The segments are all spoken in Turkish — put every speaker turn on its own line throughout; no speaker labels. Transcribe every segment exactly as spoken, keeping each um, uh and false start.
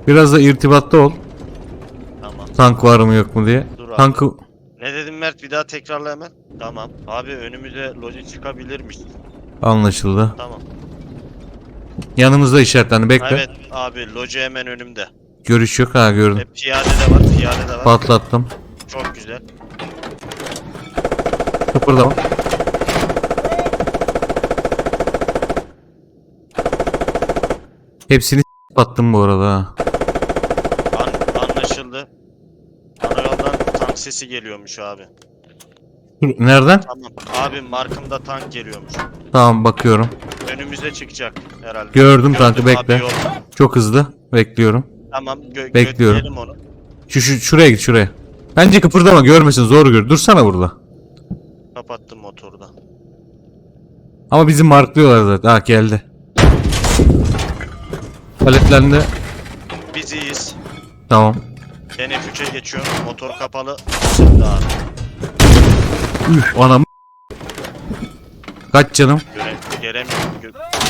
Biraz da irtibatta ol.
Tamam.
Tank var mı yok mu diye.
Dur abi.
Tankı
Ne dedim Mert, bir daha tekrarla hemen. Tamam. Abi önümüze loji çıkabilirmiş.
anlaşıldı.
Tamam.
Yanımızda işaretlendi, bekle.
Evet abi, loji hemen önümde.
Görüş yok, ha gördüm.
E, piyade de var, piyade de var.
Patlattım.
Çok güzel.
Kıpırdama. Hepsini s- attım bu arada ha.
An anlaşıldı. Ana yoldan tank sesi geliyormuş abi.
Dur, nereden?
Tamam. Abi markımda tank geliyormuş.
Tamam, bakıyorum.
Önümüze çıkacak herhalde.
Gördüm tankı,
abi,
bekle.
yol.
Çok hızlı. Bekliyorum.
Tamam, gö
Bekliyorum.
götürelim onu.
Şu, şu şuraya git, şuraya. Bence kıpırdama, görmesin, zor gör. Dursana burada.
Kapattım motoru da.
Ama bizi marklıyorlar zaten. Ha, geldi. Paletlendi.
Biz iyiyiz.
Tamam.
Ben F üçe geçiyorum. Motor kapalı. Şimdi abi.
Üf, anam. Kaç canım?
Göre gelemiyorum. Gö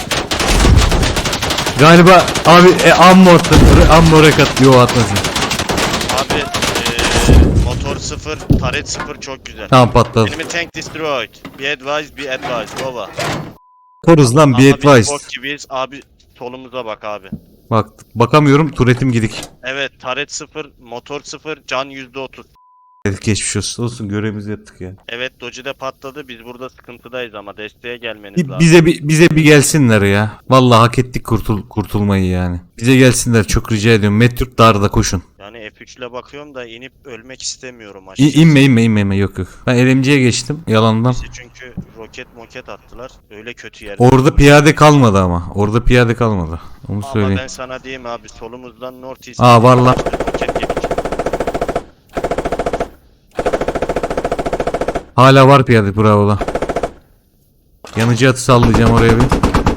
Galiba abi e, ammo attı. Ammo rekat. Yo, atmasın.
abi ee, motor sıfır, taret sıfır, çok güzel.
Tamam, patladı.
Enemy tank destroyed. Be advised, be advised. Over.
Koruz lan,
Ama
be
biz
advised.
bok gibiyiz. Abi solumuza bak abi.
Bak, bakamıyorum, turetim gidik.
Evet, taret sıfır, motor sıfır, can yüzde otuz.
Geçmiş olsun, olsun, görevimizi yaptık ya.
Evet, Doji de patladı. Biz burada sıkıntıdayız ama desteğe gelmeniz
Bir-
lazım.
bize bir bize bir gelsinler ya. Vallahi hak ettik kurtul kurtulmayı yani. Bize gelsinler, çok rica ediyorum. Metruk Dağı'da koşun.
Yani F üç ile bakıyorum da inip ölmek istemiyorum
İ,
açıkçası.
inme inme inme inme, yok yok. Ben L M G'ye geçtim yalandan.
Bizi çünkü roket moket attılar. Öyle kötü yerde.
Orada piyade kalmadı ama. Orada piyade kalmadı. Onu
Ama
söyleyeyim.
ben sana diyeyim abi, solumuzdan North East.
Aa, var lan.
Roket yedik.
Hala var piyade, bravo lan. Yanıcı atı sallayacağım oraya bir.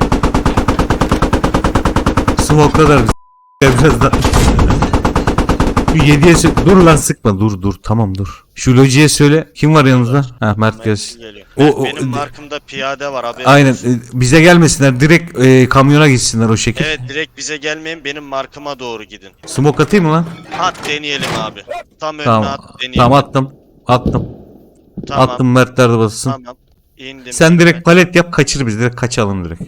Smoke'ladılar bizi. Biraz daha. Şu yediye sö- dur lan, sıkma, dur dur, tamam dur. Şu lojiye söyle, kim var yanımızda? Ha, Mert gelsin.
Geliyor.
O- o-
Benim markımda piyade var abi.
Aynen, e, bize gelmesinler, direkt e, kamyona gitsinler o şekil.
Evet, direkt bize gelmeyin, benim markıma doğru gidin.
Smoke atayım mı lan?
At deneyelim abi. Tam önüne
Tamam.
at deneyelim.
Tamam, attım. Attım.
Tamam.
Attım, Mertler de bassın.
Tamam. İndim.
Sen direkt palet yap, kaçır biz, direkt kaçalım direkt.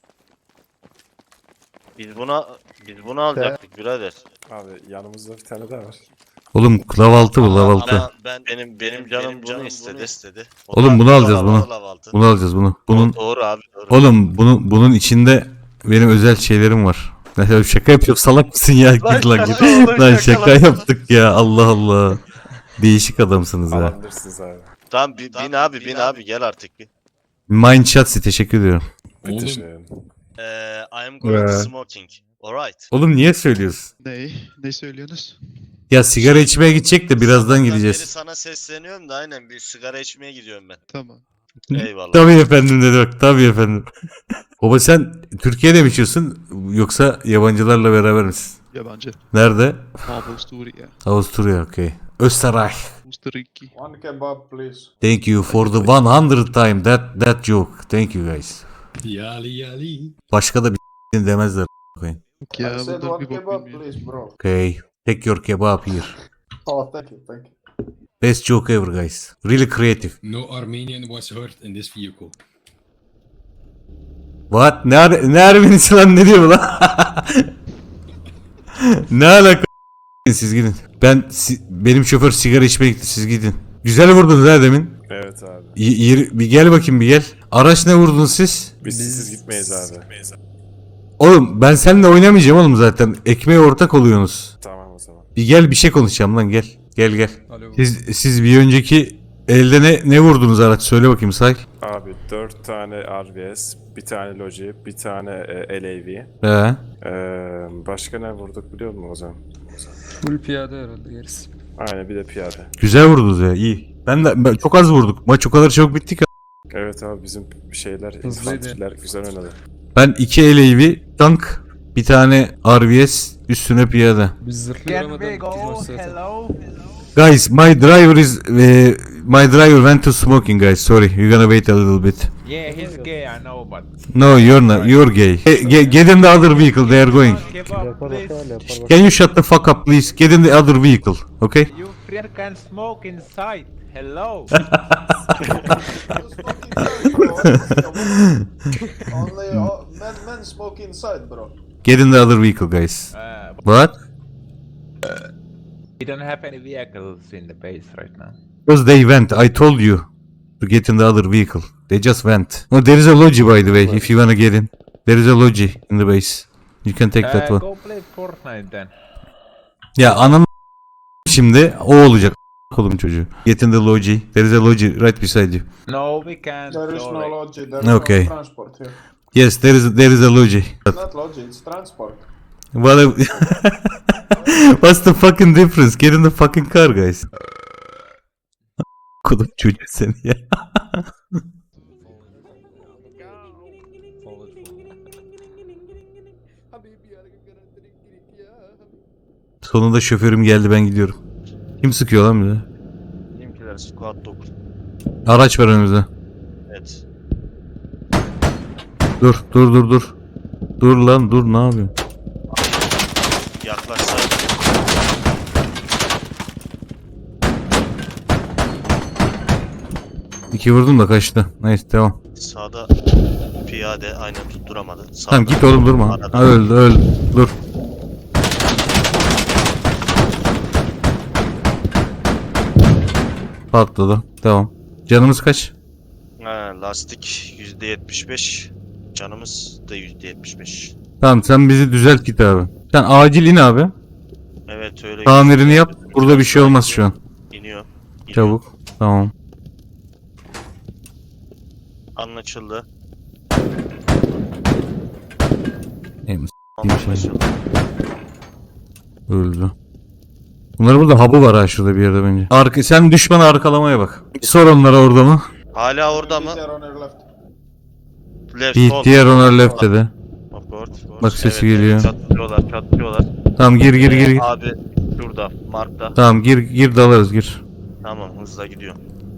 Biz buna biz bunu alacaktık birader.
Abi yanımızda bir tane daha var.
Oğlum lavaltı bu, lavaltı.
Ama ben benim benim canım bunu istedi istedi.
Oğlum bunu alacağız, bunu.
Lavaltı.
Bunu alacağız bunu. Bunun
Doğru abi, doğru.
oğlum bunu bunun içinde benim özel şeylerim var. Mesela şaka yapıyorum, salak mısın ya? Git lan git. Lan şaka yaptık ya, Allah Allah. Değişik adamsınız ya.
Alabilirsiniz abi.
Tamam, bin, bin abi bin abi gel artık bir.
Mind Shotsy, teşekkür ediyorum.
Müthiş
Oğlum.
yani.
Ee, I am going to
Ee.
smoking. Alright.
Oğlum niye söylüyorsun?
Ne? Ne söylüyorsunuz?
Ya sigara içmeye gidecek de birazdan
Sabahtan beri
gideceğiz.
sana sesleniyorum da aynen, bir sigara içmeye gidiyorum ben.
Tamam.
Eyvallah.
Tabii efendim dedi bak, tabii efendim. Baba sen Türkiye'de mi yaşıyorsun yoksa yabancılarla beraber misin?
Yabancı.
Nerede?
Avusturya.
Avusturya, okey. Österreich.
Ustriki.
One kebab please.
Thank you for the one hundred time that that joke. Thank you guys.
Yali yali.
Başka da bir demezler. Okay.
Yok ya bundan bir bok bilmiyorum.
bro.
Okay. Take your kebab here.
Oh thank you thank you.
Best joke ever guys. Really creative.
No Armenian was hurt in this vehicle.
What? Ne, Ar ne Ermenisi lan, ne diyor bu lan? Ne alaka? Siz gidin. Ben si benim şoför sigara içmeye gitti, siz gidin. Güzel vurdunuz ha demin.
Evet abi.
Y yeri- bir gel bakayım, bir gel. Araç ne vurdunuz siz?
Biz sizsiz gitmeyiz abi.
Oğlum ben seninle oynamayacağım oğlum zaten. Ekmeğe ortak oluyorsunuz.
Tamam o zaman.
Bir gel, bir şey konuşacağım lan, gel. Gel gel.
Alo.
Siz siz bir önceki elde ne ne vurdunuz araç, söyle bakayım, say.
Abi dört tane R V S, bir tane Logi, bir tane e, L A V.
He.
Ee, başka ne vurduk biliyor musun o zaman?
Full piyade herhalde gerisi.
Aynen, bir de piyade.
Güzel vurdunuz ya, iyi. Ben de ben, çok az vurduk. Maç o kadar çabuk bitti ki.
Evet abi, bizim şeyler,
Hızlıydı.
infanteriler güzel oynadı.
Ben iki L A V, tank, bir tane R V S, üstüne piyade.
Biz zırhlı
Can
aramadan
we
biz
go?
maç zaten.
Hello?
Guys, my driver is uh, my driver went to smoking guys. Sorry, you're gonna wait a little bit.
Yeah, he's gay, I know, but
No, you're not. You're gay. Get, get, get in the other vehicle. They are going.
kebab, please.
Can you shut the fuck up, please? Get in the other vehicle. Okay?
You friend can smoke inside. Hello.
Only uh, men, men smoke inside, bro.
Get in the other vehicle, guys.
Uh,
What?
we don't have any vehicles in the base right now.
Because they went. I told you to get in the other vehicle. They just went. No, there is a logi, by the way, if you wanna get in. There is a logi in the base. You can take that
Uh,
one.
go play Fortnite then.
Ya anam şimdi o olacak. Kolum çocuğu. Get in the logi. There is a logi right beside you.
No, we can't.
There is
go
no
like-
logi, there is
Okay.
no transport here.
Yes, there is there is a logi.
It's not logi, it's transport.
What a- What's the fucking difference? Get in the fucking car, guys. Kolum çocuğu seni ya. Sonunda şoförüm geldi, ben gidiyorum. Kim sıkıyor lan bize?
Bizimkiler squad dokuz.
Araç var önümüzde.
Evet.
Dur dur dur dur. Dur lan dur, ne yapıyorsun?
Yaklaşsaydı.
İki vurdum da kaçtı. Neyse devam.
Sağda piyade aynen tutturamadı. Sağda
Tamam git oğlum, durma.
arada.
Ha, öldü öldü. Dur. Patladı. Devam. Canımız kaç?
Ha, lastik yüzde yetmiş beş. Canımız da yüzde yetmiş beş.
Tamam sen bizi düzelt git abi. Sen acil in abi.
Evet öyle.
Tamirini yap. Burada bir şey olmaz şu an.
İniyor. İniyor.
Çabuk. Tamam.
Anlaşıldı.
Em, s**eyim şey.
Anlaşıldı.
Öldü. Bunların burada hub'ı var ha, şurada bir yerde bence. Arka, sen düşmanı arkalamaya bak. Bir sor onlara orada mı?
Hala orada mı?
These are on your left.
Left,
Bir
sol.
diğer ona left dedi.
Of course, of course.
Bak sesi
Evet,
geliyor.
Çatlıyorlar, çatlıyorlar.
Tamam gir gir gir. gir.
Abi şurada, Mark'ta.
Tamam gir gir dalarız gir.
Tamam, hızla gidiyor.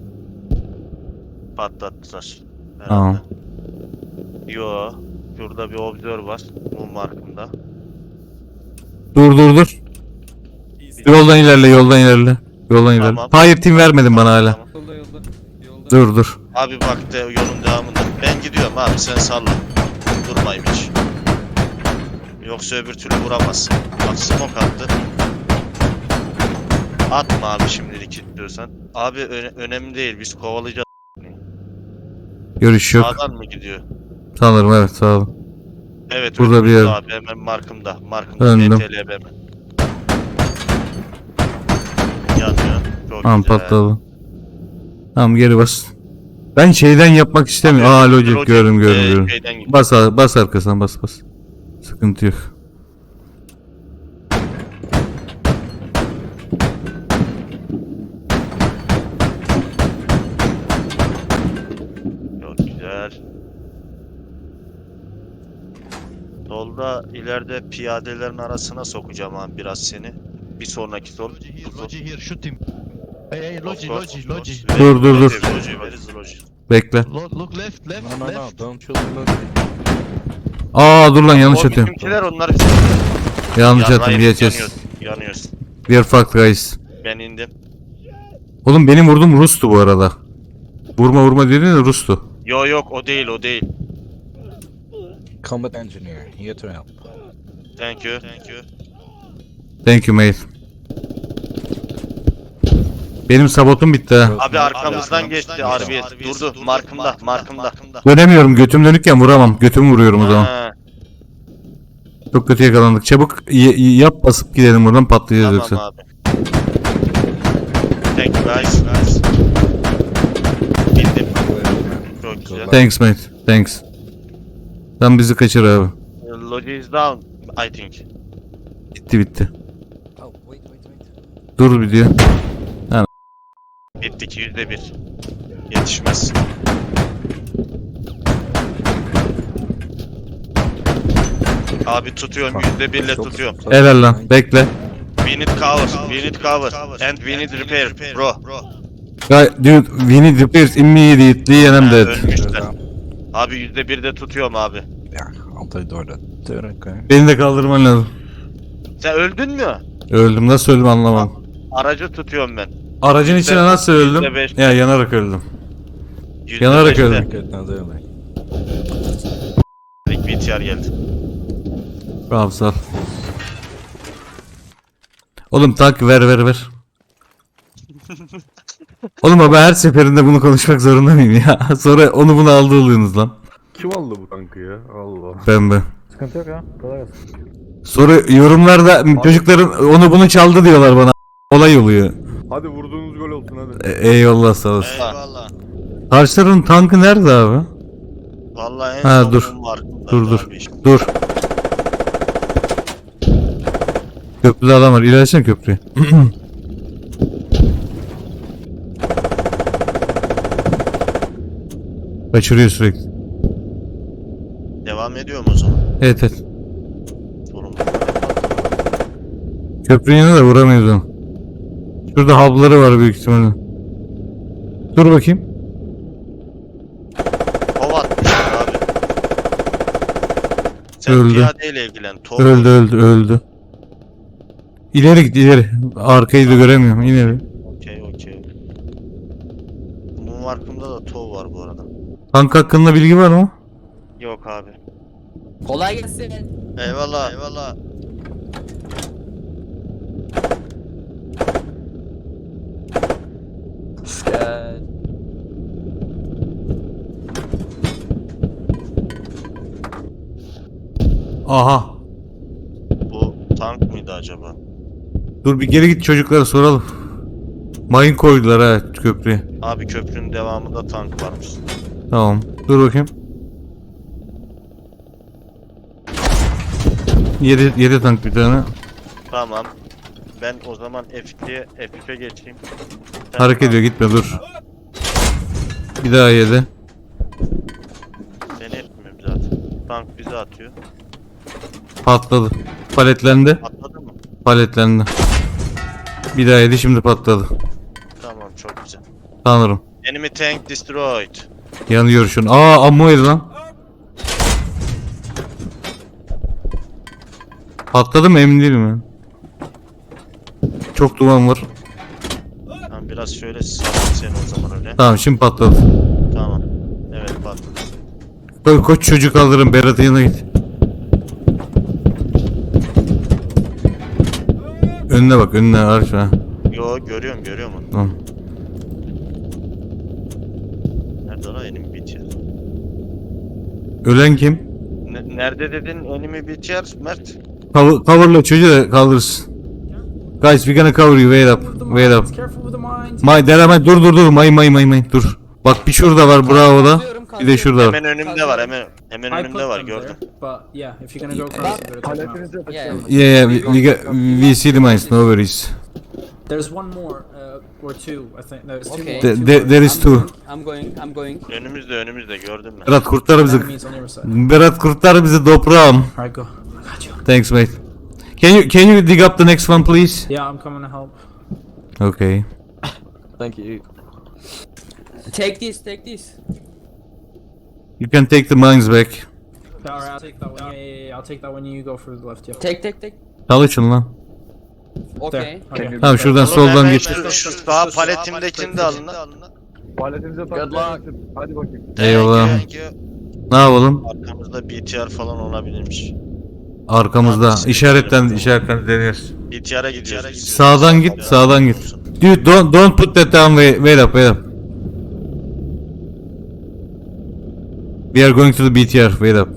Patlattılar. herhalde.
Tamam.
Yo, şurada bir observer var. Bu markımda.
Dur dur dur. Yoldan ilerle, yoldan ilerle. Yoldan ilerle.
Tamam.
Fire team vermedin bana hala.
Tamam.
Yolda yolda. Yolda.
Dur dur.
Abi bak de yolun devamında. Ben gidiyorum abi, sen salla. Durmayayım hiç. Yoksa öbür türlü vuramazsın. Bak smoke attı. Atma abi şimdilik diyorsan. Abi öne- önemli değil, biz kovalayacağız.
Görüş yok.
Sağdan mı gidiyor?
Sanırım evet, sağ ol.
Evet,
Burada
önümüzde
bir yer.
abi, hemen markımda. Markımda
Döndüm.
N T L B hemen. Yanıyor. Çok
Tamam
güzel.
patladı. Tamam geri bas. Ben şeyden yapmak istemiyorum. Aa logic
Logic,
gördüm gördüm
e,
gördüm.
şeyden gidiyor.
Bas ar- bas arkasından bas bas. Sıkıntı yok.
Çok güzel. Solda ileride piyadelerin arasına sokacağım abi biraz seni. Bir sonraki sol.
Logi here,
Bu sol.
Logi here, shoot him. Hey, hey,
Of
Logi,
course,
Logi,
of
Logi.
course.
Dur, dur, dur.
Where is Logi? Where is Logi?
Bekle.
Lo- Look left, left,
No no no,
left.
don't shoot the logic.
Aa dur lan, yanlış
O
atıyorum.
bizimkiler, onlar bizim.
Yanlış
Yanmayın,
attım. Yes yes.
yanıyoruz, Yanıyoruz.
We are fucked guys.
Ben indim.
Oğlum benim vurdum Rus'tu bu arada. Vurma vurma dedin de Rus'tu.
Yo yok, o değil, o değil.
Combat engineer, here to help.
Thank you. Thank you.
Thank you mate. Benim sabotum bitti ha.
Abi arkamızdan geçti R B S. Durdu. Markımda, markımda.
Dönemiyorum, götüm dönükken vuramam. Götümü vuruyorum o zaman.
Ha,
Çok kötü yakalandık. Çabuk y- y- yap, basıp gidelim buradan, patlayacağız
tamam
yoksa.
abi. Thank you guys. guys. Bildim. Çok güzel.
Thanks mate. Thanks. Sen bizi kaçır abi.
Logi is down, I think.
Bitti bitti.
Oh, wait, wait, wait.
Dur bir diyor.
Bittik yüzde bir. Yetişmez. Abi tutuyorum, yüzde birle tutuyorum.
Helal lan. Bekle.
We need cover, we need cover, and we need repair, bro.
Guy, dude, we need repairs immediately and I'm
Ha,
dead.
ölmüşler. Abi yüzde birde tutuyorum abi.
Yeah, I'll play door then. Dude, okay.
Beni de kaldırman lazım.
Sen öldün mü?
Öldüm. Nasıl öldüm anlamadım.
Aracı tutuyorum ben.
Aracın
Yüzde-
içine nasıl öldüm?
yüzde beş.
Ya yanarak öldüm.
Yüzde
Yanarak
beşte
öldüm.
Good, now do me.
B T R geldi.
Tamam sağ ol. Oğlum tank ver ver ver. Oğlum abi her seferinde bunu konuşmak zorunda mıyım ya? Sonra onu bunu aldı oluyorsunuz lan.
Kim aldı bu tankı ya? Allah.
Ben ben.
Sıkıntı yok ya. Kolay gelsin.
Sonra yorumlarda çocukların onu bunu çaldı diyorlar bana. Olay oluyor.
Hadi vurduğunuz gol olsun hadi.
E- eyvallah sağ olasın.
Eyvallah.
Karşıların tankı nerede abi?
Vallahi en
Ha,
son
dur.
bunun var.
Dur, dur.
Abi işte.
Dur. Köprüde adam var. İlerlesene köprüye. Kaçırıyor sürekli.
Devam ediyor mu o zaman?
Evet evet.
Sorun.
Köprünün yanına da vuramıyoruz onu. Şurada hub'ları var büyük ihtimalle. Dur bakayım.
Tov atmışlar abi. Sen
Öldü.
piyadeyle ilgilen. Tov
Öldü öldü öldü. İleri git ileri. Arkayı da göremiyorum. İleri.
Okey okey. Bunun markımda da tov var bu arada.
Tank hakkında bilgi var mı?
Yok abi.
Kolay gelsin.
Eyvallah. Eyvallah.
Gel.
Aha.
Bu tank mıydı acaba?
Dur bir geri git çocuklara soralım. Mayın koydular ha köprüye.
Abi köprünün devamında tank varmış.
Tamam. Dur bakayım. Yedi, yedi tank bir tane.
Tamam. Ben o zaman F iki'ye F üç'e geçeyim. Sen
Hareket ediyor gitme dur. Bir daha yedi.
Ben etmiyorum zaten. Tank bize atıyor.
Patladı. Paletlendi.
Atladı mı?
Paletlendi. Bir daha yedi şimdi patladı.
Tamam çok güzel.
Tanrım.
Enemy tank destroyed.
Yanıyor şu an. Aa ammo yedi lan. Patladı mı emin değilim ya. Çok duman var.
Tamam biraz şöyle salayım seni o zaman öyle.
Tamam şimdi patladı.
Tamam. Evet patladı.
Ko koç çocuk kaldırın Berat'ın yanına git. Önüne bak önüne arş ha.
Yo görüyorum görüyorum onu.
Tamam.
Nerede lan enemy bitiyor?
Ölen kim?
Ne, nerede dedin enemy bitiyor Mert?
Cover, coverla çocuğu da kaldırırsın. Guys we gonna cover you wait up wait up. May dereme dur dur dur may may may may dur. Bak bir şurada var bravo da. Bir de şurada var.
Hemen önümde var hemen hemen önümde var gördüm.
Yeah.
Yeah yeah we, we, got, we see the mines no worries.
There's one more, uh, or two, I think. There's two
Okay.
more.
There,
two
there,
more
there is two.
I'm going. I'm going.
Önümüzde önümüzde gördüm ben.
Berat kurtar bizi.
enemies on your side.
Berat kurtar bizi toprağım.
Alright, go. I got you.
Thanks mate. Can you can you dig up the next one please?
Yeah, I'm coming to help.
Okay.
Thank you. Take this. Take this.
You can take the mines back.
Yeah, alright, I'll take that one. Yeah, yeah, yeah. I'll take that one. You go for the left. Yeah.
Take. Take. Take.
Çalışın lan.
Okay.
There. Okay.
Tamam şuradan
Oğlum,
soldan
hemen
geç.
Şu, şu sağ paletimdekini de alın lan.
Paletinize
Good luck.
Hadi bakayım.
Eyvallah.
Thank you.
Ne yapalım?
Arkamızda B T R falan olabilirmiş.
Arkamızda. İşaretten işaretten deniyoruz.
B T R'a gidiyoruz. biz.
Sağdan git, sağdan git. Dude don't don't put that down. Wait, wait up, wait up. We are going to the B T R. Wait up.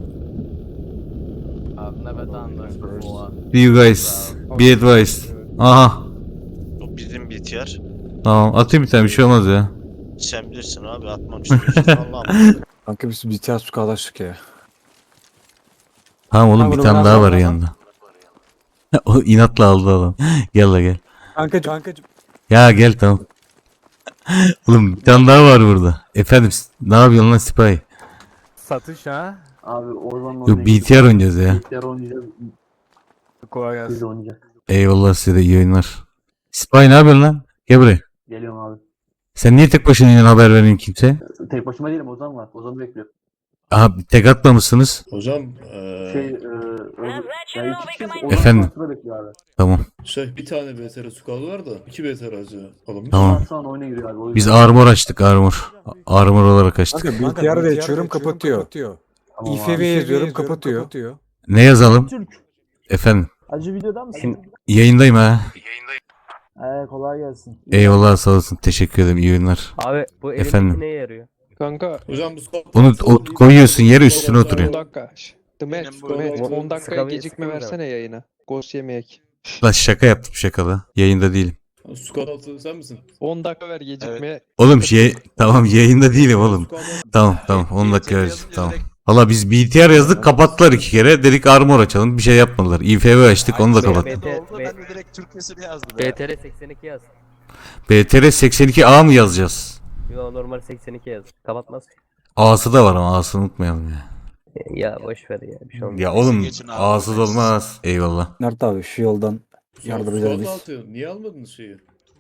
I've never done this before.
See you guys. Be advised. Aha.
Bu bizim B T R.
Tamam. Atayım bir tane bir şey olmaz ya.
Sen bilirsin abi atmak istiyorsun. Allah'ım.
Kanka biz bir tane su kardeşlik ya.
Tamam oğlum
Ha,
bir
bunu
tane
biraz
daha
daha
var
daha.
yanında. O inatla aldı adam. Gel la gel.
Kankacım. Kankacım.
Ya gel tamam. Oğlum bir tane daha var burada. Efendim ne yapıyorsun lan sipahi?
Satış ha.
Abi oradan
Yok B T R oynayacağız ya.
oynayacağız.
Kolay gelsin.
oynayacağız.
Eyvallah size de iyi oyunlar. Sipahi ne yapıyorsun lan? Gel buraya.
Geliyorum abi.
Sen niye tek başına iniyorsun haber verin kimse?
Tek başıma değilim Ozan var. Ozan'ı bekliyorum.
Aha tek atmamışsınız.
Hocam eee
Şey, e, yani iki kişi onun
Efendim?
arkasında bekliyor abi.
Tamam.
şey bir tane B T R squad var da iki B T R acı alınmış.
Tamam.
Şu an oyuna giriyor abi. o
Biz
yüzden.
armor açtık armor. Armor olarak açtık.
Kanka B T R'de açıyorum kapatıyor.
Tamam
İ F
abi.
V yazıyorum kapatıyor.
Ne yazalım? Efendim.
Acı videoda mısın?
Yayındayım ha.
Ee, kolay gelsin.
Eyvallah sağ olasın. Teşekkür ederim. İyi oyunlar.
Abi bu
Efendim?
elindeki neye yarıyor?
Kanka
Hocam bu squad...
Onu o- koyuyorsun yere üstüne
on
oturuyor.
dakika. The match, the match. on dakikaya
Sıkabilir-
gecikme
sıkabilir
versene yayına. Ghost yemeyek.
Lan şaka yaptım şakada. Yayında değilim.
Squad altı sen misin?
on dakika ver gecikmeye.
Oğlum şey tamam yayında değilim oğlum. Tamam tamam on dakika vereceğim tamam. Valla biz B T R yazdık kapattılar iki kere. Dedik armor açalım bir şey yapmadılar. İ F V açtık onu da kapat.
B T
Ben de direkt Türkçesini yazdım.
B T R seksen iki yaz.
B T R seksen iki A mı yazacağız?
Yo normal seksen iki yaz. Kapatmaz.
A'sı da var ama A'sını unutmayalım ya.
Ya boş ver ya bir şey olmaz.
Ya oğlum
Geçin abi,
A'sız
buradayız.
olmaz. Eyvallah.
Mert abi şu yoldan yardım ederiz
Squad
biz.
altı niye almadınız şeyi?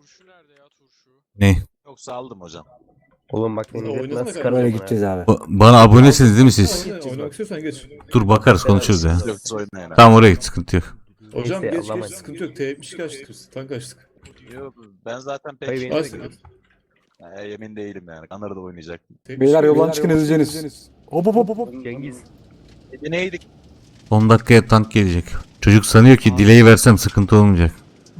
Ne?
Yoksa aldım hocam.
Oğlum bak
Biz de
beni
oynasana
nasıl
kanka.
çıkarım
Böyle
ya.
gideceğiz abi.
Ba- Bana abonesiniz değil mi siz?
Oyna, oynamak istiyorsan geç.
Dur bakarız konuşuruz ya.
Yoksa oynayın.
Tamam oraya git sıkıntı yok.
Hocam
Neyse,
geç geç
Allah'ım.
sıkıntı yok. T yetmiş iki açtık biz. Tank açtık.
Yok, ben zaten pek
Hayır,
şey
benim
Açtık.
Ya, emin değilim yani. Kanar'da oynayacaktım.
Beyler yoldan çıkın ezeceğiniz. Hop hop hop hop.
Cengiz.
E, neydik?
on dakikaya tank gelecek. Çocuk sanıyor ki delay versem sıkıntı olmayacak.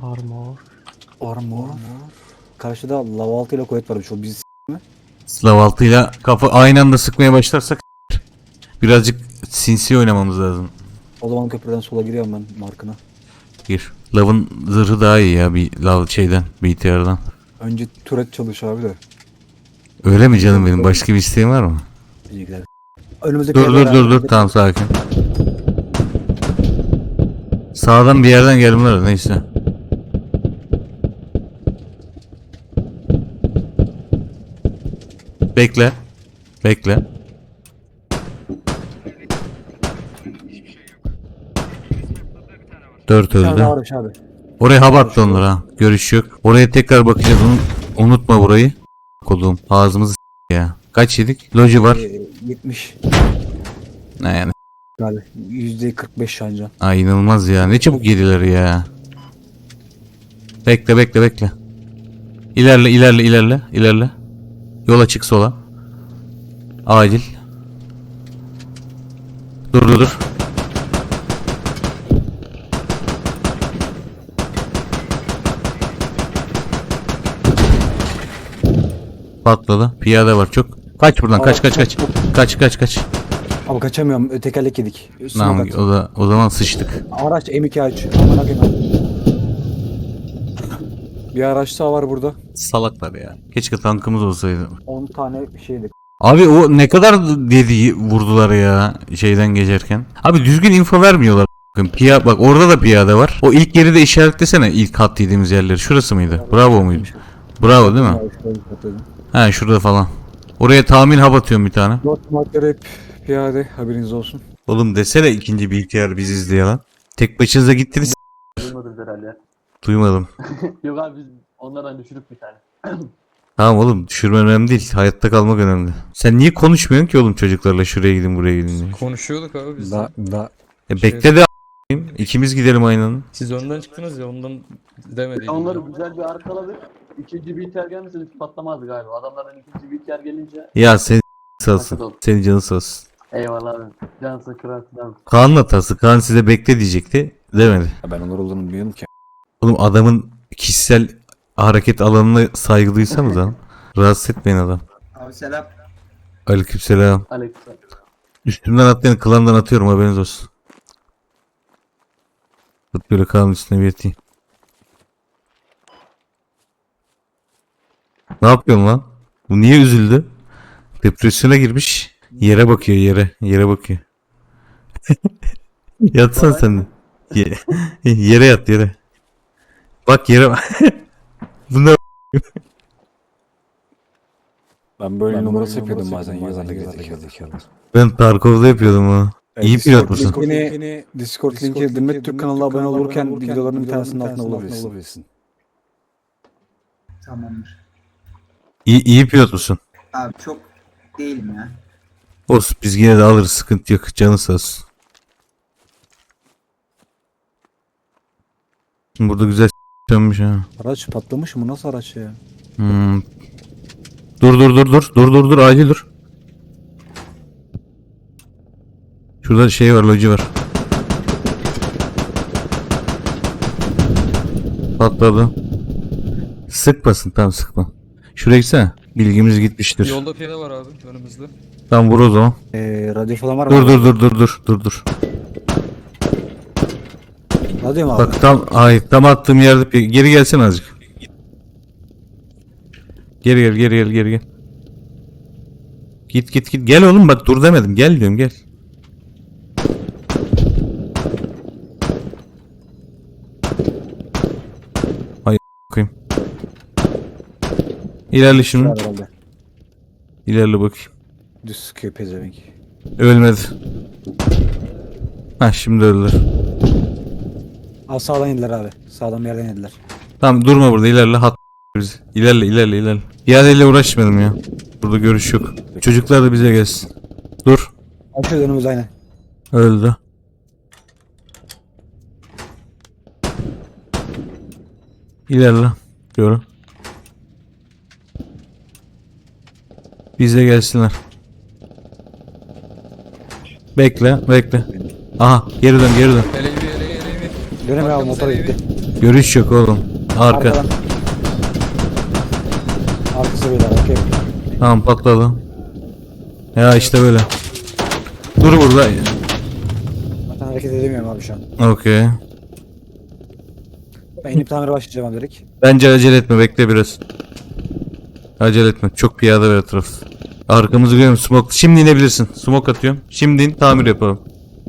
Armor. Karşıda lava altıyla kuvvet varmış o biz.
Slav altıyla kafa aynı anda sıkmaya başlarsak birazcık sinsi oynamamız lazım.
O zaman köprüden sola giriyorum ben markına.
Gir. Lav'ın zırhı daha iyi ya bir Lav şeyden B T R'dan.
Önce turret çalış abi de.
Öyle mi canım benim? Başka bir isteğin var mı?
İyi gider. Önümüzdeki
Dur dur dur dur tamam sakin. Sağdan bir yerden gelmeler neyse. Bekle. Bekle. Dört
Bir tane
öldü.
daha varmış abi.
Oraya hava attı onlar ha. Görüş yok. Oraya tekrar bakacağız. Unu- unutma burayı. Kodum. Ağzımızı s- ya. Kaç yedik? Loji var.
Ee, yetmiş
Ne yani?
galiba. yüzde kırk beş şancan.
Ay inanılmaz ya. Ne çabuk yediler ya. Bekle bekle bekle. İlerle ilerle ilerle ilerle. Yola çık sola. Acil. Dur dur dur. Patladı. Piyade var çok. Kaç buradan kaç kaç kaç. Kaç kaç kaç.
Abi kaçamıyorum. Ö, Tekerlek yedik. Üstüne
Tamam
kat.
o da o zaman sıçtık.
Araç M iki aç. Aman akıyım. Bir araç daha var burada.
Salaklar ya. Keşke tankımız olsaydı.
on tane şeydi.
Abi o ne kadar dedi vurdular ya şeyden geçerken. Abi düzgün info vermiyorlar. Bakın piya bak orada da piyade var. O ilk yeri de işaretlesene ilk hat yediğimiz yerleri. Şurası mıydı? Bravo muydu? Bravo değil mi?
Abi şöyle patladım.
He şurada falan. Oraya tahmin hap atıyorum bir tane.
Dört maddeler hep piyade haberiniz olsun.
Oğlum desene ikinci bir ihtiyar biziz diye lan. Tek başınıza gittiniz.
Duymadınız herhalde.
Duymadım.
Yok abi biz onlardan düşürüp bir tane.
Tamam oğlum düşürmen önemli değil. Hayatta kalmak önemli. Sen niye konuşmuyorsun ki oğlum çocuklarla şuraya gidin buraya gidin diye.
Konuşuyorduk abi biz.
Da da
E bekle de a**ayım. İkimiz gidelim aynı anda.
Siz önden çıktınız ya ondan demedik.
Onları güzel bir arkaladık. İkinci B T R gelmese biz patlamazdı galiba. Adamlardan ikinci B T R gelince
Ya sen sağ olsun. Senin canın sağ olsun.
eyvallah abi. Cansın kırarsın abi.
Kaan'ın hatası. Kaan size bekle diyecekti. Demedi.
Ya ben onlar olduğunu bilmiyorum ki.
Oğlum adamın kişisel hareket alanına saygı duysanız lan. Rahatsız etmeyin adam.
Abi selam.
Aleykümselam.
Alex.
Üstümden atlayan klandan atıyorum haberiniz olsun. Tut böyle Kaan'ın üstüne bir yatayım. Ne yapıyorsun lan? Bu niye üzüldü? Depresyona girmiş. Yere bakıyor yere. Yere bakıyor. Yatsan sen de. Ye- yere yat yere. Bak yere bak. Bunlar
Ben böyle numarası yapıyordum bazen yazarda gerizekalı.
ben Tarkov'da yapıyordum ha. İyi pilot musun?
Linkini, Discord linki Demet Türk kanalına abone olurken videolarının bir tanesinin altına bulabilirsin.
Tamamdır.
İyi, iyi pilot musun?
Abi çok değilim ya.
Olsun biz yine de alırız, sıkıntı yok. Canı sağ olsun. Burada güzel s***lanmış ha.
Araç patlamış mı? Nasıl araç ya?
Hmm. Dur dur dur dur. Dur dur dur acil dur. Şurada şey var, loji var. Patladı. Sıkmasın, tamam sıkma. Şuraya gitsene. Bilgimiz gitmiştir.
Yolda piyade var abi önümüzde.
Tamam vur o zaman.
Ee, radyo falan var mı?
Dur dur dur dur dur dur dur.
Radyo mu abi?
Bak tam ay tam attığım yerde pi- geri gelsene azıcık. Geri gel geri gel geri gel. Git git git gel oğlum, bak dur demedim, gel diyorum, gel. Hay koyayım. İlerle şimdi.
Var herhalde.
İlerle bakayım.
Düz sıkıyor pezevenk.
Ölmedi. Ha şimdi öldüler.
Aa sağdan yediler abi. Sağdan bir yerden yediler.
Tamam durma burada, ilerle, hat bizi. İlerle ilerle ilerle. İadeyle uğraşmayalım ya. Burada görüş yok. Çocuklar da bize gelsin. Dur.
Açıyor önümüz aynen.
Öldü. İlerle. Diyorum. Bize gelsinler. Bekle, bekle. Aha, geri dön, geri dön.
Elevi elevi elevi.
Dönemiyor abi,
Arkamız
motora
elevi.
gitti.
Görüş yok oğlum. Arka.
Arkadan. Arkası beyler okey.
Tamam patladı. Ya işte böyle. Dur burada.
Zaten hareket edemiyorum abi şu an.
Okey.
Ben inip tamire başlayacağım abi direkt.
Bence acele etme, bekle biraz. Acele etme. Çok piyade var etraf. Arkamızı görüyorum, smoke. Şimdi inebilirsin. Smoke atıyorum. Şimdi in, tamir yapalım.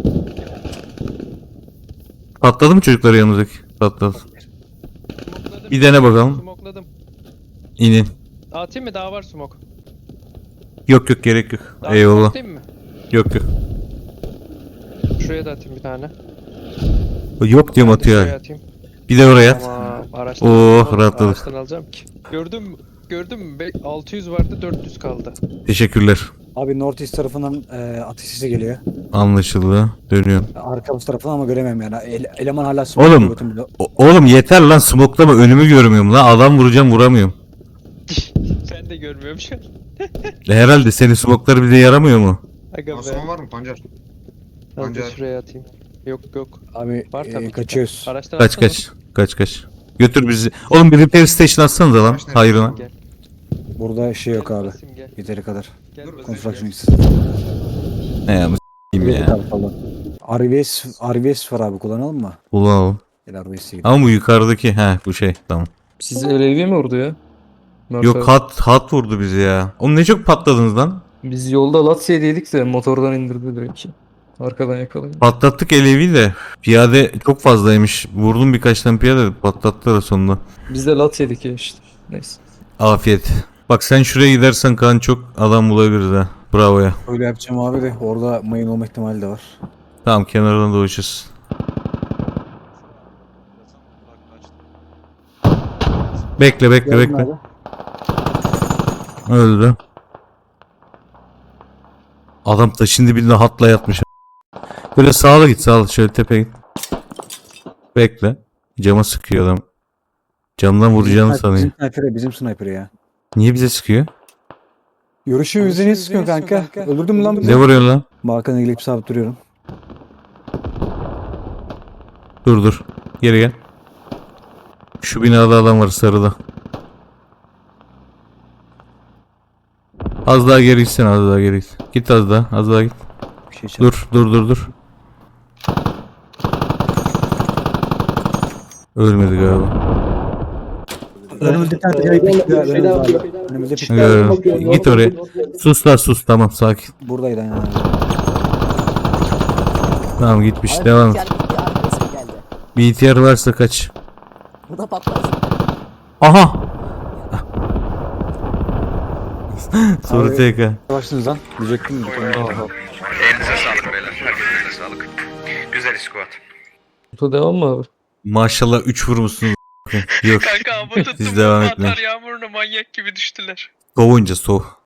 Patladı mı çocuklar yanımızdaki? Patladı.
Smokladım.
Bir dene bakalım.
Smokladım.
İnin.
Atayım mı? Daha var smoke.
Yok yok gerek yok.
Daha
Eyvallah.
atayım mı?
Yok yok.
Şuraya da atayım bir tane.
Yok diyorum,
Ben de şuraya
atıyor.
atayım.
Bir de oraya at.
Tamam. Araçtan,
Oh,
alacağım.
rahatladık.
Araçtan alacağım ki. Gördün mü? Gördün mü? Be- altı yüz vardı, dört yüz kaldı.
Teşekkürler.
Abi North East tarafından e, atış sesi geliyor.
Anlaşıldı. Dönüyorum.
Arkamız tarafından ama göremiyorum yani. Ele- eleman hala
Oğlum.
smoke.
O- oğlum yeter lan, smoklama, önümü görmüyorum lan. Adam vuracağım, vuramıyorum.
Sen de görmüyorum şu an.
E, Herhalde senin smokları bize yaramıyor mu?
Aga be.
var mı Pancar?
Al da şuraya atayım. Yok yok.
Abi
Var
e,
tabii ki.
kaçıyoruz.
Araçtan
Kaç
atsana.
kaç. Kaç kaç. Götür bizi. Oğlum bir repair station atsanıza lan. Hayrına.
Gel.
Burada şey yok
Gel
abi.
basayım, gel.
Yeteri kadar.
Gel basayım,
Construction
gel.
X.
Ne ya, s**eyim ya.
R V S, R V S var abi, kullanalım mı?
Ulan.
Gel R V S'e gidelim.
Ama bu yukarıdaki. He bu şey. Tamam.
Siz elevi mi vurdu ya? Mert
Yok
abi.
hat hat vurdu bizi ya. Oğlum ne çok patladınız lan.
Biz yolda Latsiye'deydik de motordan indirdi direkt. Arkadan yakalayın.
Patlattık elevi de. Piyade çok fazlaymış. Vurdum birkaç tane piyade, patlattılar sonunda.
Biz de Latsiye'dik ya işte. Neyse.
Afiyet. Bak sen şuraya gidersen Kaan çok adam bulabiliriz ha. Bravo ya.
Öyle yapacağım abi de orada mayın olma ihtimali de var.
Tamam kenardan dolaşırız. Bekle bekle
Geldim
bekle.
abi.
Öldü. Adam taşın dibinde hatla yatmış. Böyle sağa git, sağa şöyle tepeye git. Bekle. Cama sıkıyor adam. Camdan vuracağını
Bizim,
sanıyor.
bizim sniper, bizim sniper ya.
Niye bize sıkıyor?
Görüşü yüzde niye sıkıyorsun kanka? Öldürdün mü lan bizi?
Ne vuruyor lan?
Balkona gelip sabit duruyorum.
Dur dur. Geri gel. Şu binada adam var, sarıda. Az daha geri gitsene, az daha geri git. Git az daha, az daha git.
Bir şey çal.
Dur, dur, dur, dur. Ölmedi galiba.
Önümüzde bir tane tekerlek bekliyor. Önümüzde abi. Önümüzde bir
Görüyorum. Git oraya. Sus lan sus, tamam sakin.
Buradaydı aynen abi.
Tamam gitmiş, devam et. Bir ihtiyar varsa kaç.
Bu da patlar.
Aha! Soru
Abi-
T K.
Başladınız lan. Diyecektim. mi?
Elinize sağlık beyler. Herkese sağlık. Güzel squat.
Bu devam mı abi?
Maşallah üç vurmuşsunuz. Yok.
Kanka ama tuttum.
Siz devam etmeyin.
Atar yağmuruna manyak gibi düştüler.
Soğuyunca soğuk.